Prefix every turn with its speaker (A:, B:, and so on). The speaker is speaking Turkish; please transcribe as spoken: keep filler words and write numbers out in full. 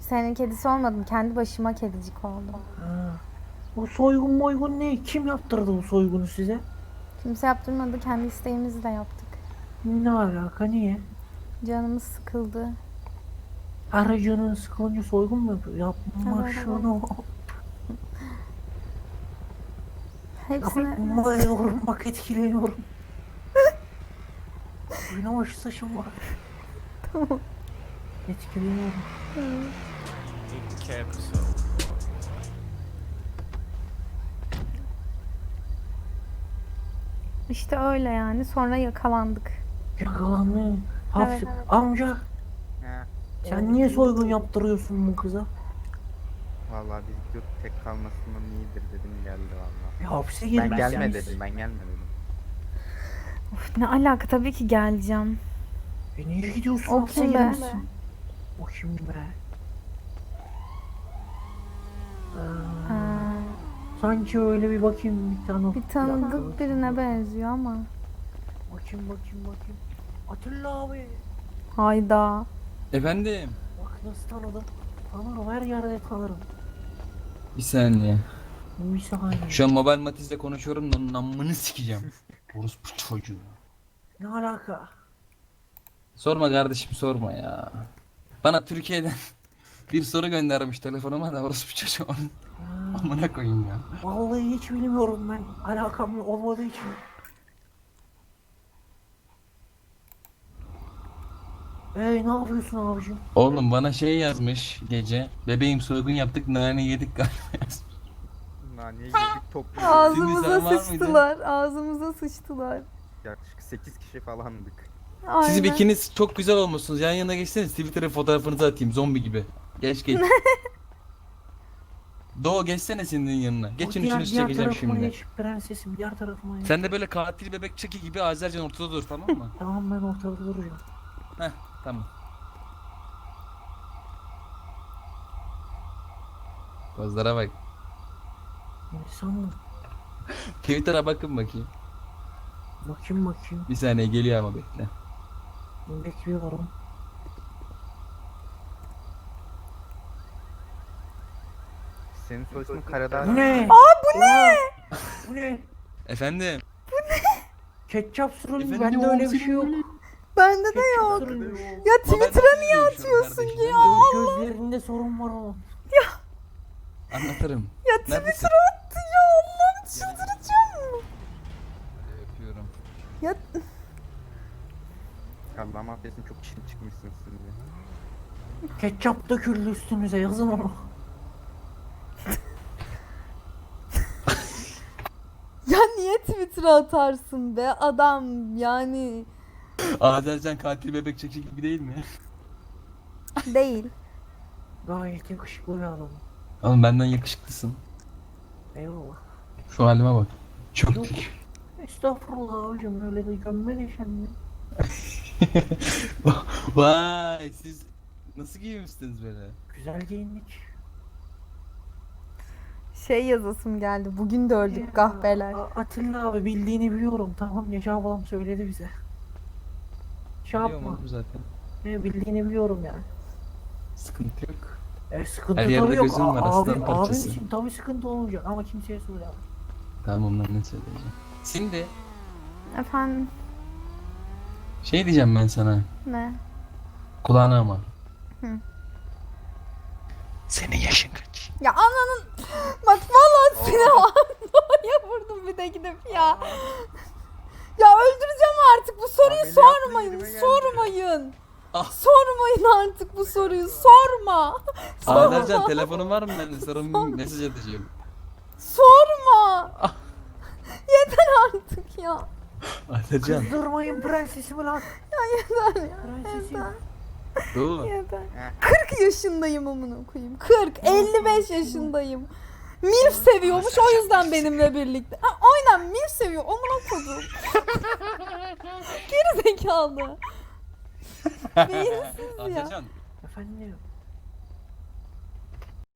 A: Senin kedisi olmadım. Kendi başıma kedicik oldum.
B: Ha. Bu soygun moygun ne? Kim yaptırdı bu soygunu size?
A: Kimse yaptırmadı. Kendi isteğimizle yaptık.
B: Ne alaka, niye?
A: Canımız sıkıldı.
B: Aracının sıkılınca soygun mu yapıyor? Yapma
A: Evet,
B: şunu.
A: Hepsine...
B: Yapmıyorum, bak etkileniyorum. Oynama şu saçım var.
A: Tamam.
B: Etkileniyorum.
A: İşte öyle yani. Sonra yakalandık.
B: Yakalandı. Hapsi.
A: Evet, evet.
B: Amca
C: He.
B: sen niye soygun yaptırıyorsun bu kıza?
C: Vallahi biz yurt tek kalmasından iyidir dedim, geldi vallahi.
B: Ya hapse
C: Ben
B: girmezsiniz.
C: gelme dedim, ben gelme dedim.
A: Of, ne alaka, tabii ki geleceğim.
B: E niye gidiyorsun?
A: O
B: Hapse
A: kim be?
B: girmişsin. O kim be? Aa,
A: Ha,
B: sanki öyle bir bakayım bir tane.
A: bir tanıdık birine benziyor ama.
B: Bakayım bakayım bakayım. Atilla abi.
A: Hayda.
D: Efendim?
B: Bak nasıl tanıdım. Tanırım, her yerde tanırım.
D: Bir saniye.
B: Bir saniye.
D: Şu an Mobile Matiz'le konuşuyorum da onun amını sikeceğim. Orospu çocuğu.
B: Ne alaka?
D: Sorma kardeşim, sorma ya. Bana Türkiye'den bir soru göndermiş telefonuma da orospu çocuğu onun
B: Ha,
D: amına koyayım ya.
B: vallahi hiç bilmiyorum ben. Alakam olmadığı için. Ey ne yapıyorsun abicim?
D: Oğlum bana şey yazmış gece. Bebeğim soygun yaptık, nane yedik galiba yazmış.
C: Naniye yedik toplu.
A: Ağzımıza
D: sen var mıydın?
A: sıçtılar. Ağzımıza sıçtılar.
C: Yaklaşık sekiz kişi falandık.
D: Siz
A: Aynen.
D: ikiniz çok güzel olmuşsunuz. Yan yana geçseniz Twitter'a fotoğrafınızı atayım zombi gibi. Geç geç. Doğu geçsene senin yanına. Geçin
B: O diğer-
D: üçünüzü
B: diğer
D: çekeceğim
B: tarafıma
D: şimdi.
B: geç, prensesim diğer tarafıma geç.
D: Sen de böyle katil bebek çeki gibi Azercan ortada dur, tamam mı?
B: Tamam, ben ortada duracağım.
D: Heh, tamam. Pozlara bak.
B: İnsan
D: Twitter'a bakın bakayım.
B: bakayım bakayım.
D: Bir saniye geliyor ama bekle.
B: Bekliyorum.
C: Senin soy ismin Karadağ.
B: Bu ne?
A: Aa, bu ne?
B: Bu ne?
D: Efendim?
B: Ketçap sürülmüş.
D: Efendim,
B: Bende öyle bir
D: oğlum,
B: şey yok.
A: Bende de
B: Ketçap
A: yok.
B: sürülmüş.
A: Ya Twitter'a niye atıyorsun ki ya? Allah.
B: Gözlerinde sorun var oğlum.
D: Anlatırım.
A: Ya
D: Neredesin?
A: Twitter'a attı ya, Allah'ım çıldıracağım.
D: Öpüyorum.
A: Ya
C: Allah mafyasın, çok işin çıkmışsınız siz de.
B: Ketçap döküldü üstünüze, yazın onu.
A: ya niye Twitter'a atarsın be adam, yani
D: Azercan katil bebek çeki gibi değil mi?
A: değil.
B: Gayet yakışıklı bir adam.
D: Oğlum benden yakışıklısın.
B: Eyvallah.
D: Şu halime bak. Çok
B: Yok.
D: dik.
B: Estağfurullah abicim, öyle de gömme de kendini.
D: Vay, siz nasıl giymişsiniz böyle?
B: Güzel giyindik.
A: Şey yazasım geldi. Bugün de öldük kahpeler.
B: A- Atilla abi, bildiğini biliyorum, tamam ya, Şah babam söyledi bize. Şey
D: Biliyor
B: yapma.
D: musun zaten?
B: Ne bildiğini biliyorum yani.
D: Sıkıntı yok.
B: E sıkıntı
D: Her yerde
B: tabii yok.
D: gözüm var,
B: A- abi,
D: aslan
B: abim
D: parçası.
B: için tabii sıkıntı olmayacak ama kimseye söyleme.
D: Tamam lan, ne söyleyeceğim. Şimdi
A: Efendim,
D: şey diyeceğim ben sana.
A: ne?
D: Kulağına ama.
A: Hı.
D: Senin yaşın kaç?
A: Ya ananın, bak vallahi seni Doğu'ya vurdum bir de gidip ya. Ya öldüreceğim artık, bu soruyu
C: Ameliyatla
A: sormayın,
C: yerime geldi.
A: sormayın.
D: Ah.
A: Sormayın artık bu soruyu, sorma.
D: Azercan telefonun var mı? Ben de sana bir mesaj atacağım.
A: Sorma. Yeter artık ya.
D: Azercan.
B: Kızdırmayın prensesimi lan.
A: Yeter ya.
B: Prensesim.
A: Yeter.
D: Doğu.
A: Yeter.
C: Heh.
A: kırk yaşındayım amına koyayım. kırk, elli beş yaşındayım. Milf seviyormuş, o yüzden benimle birlikte. Ha, aynen Milf seviyor. Amına koydum. Geri zekalı. Beyinsiz ya.
D: Azercan.
B: Efendim.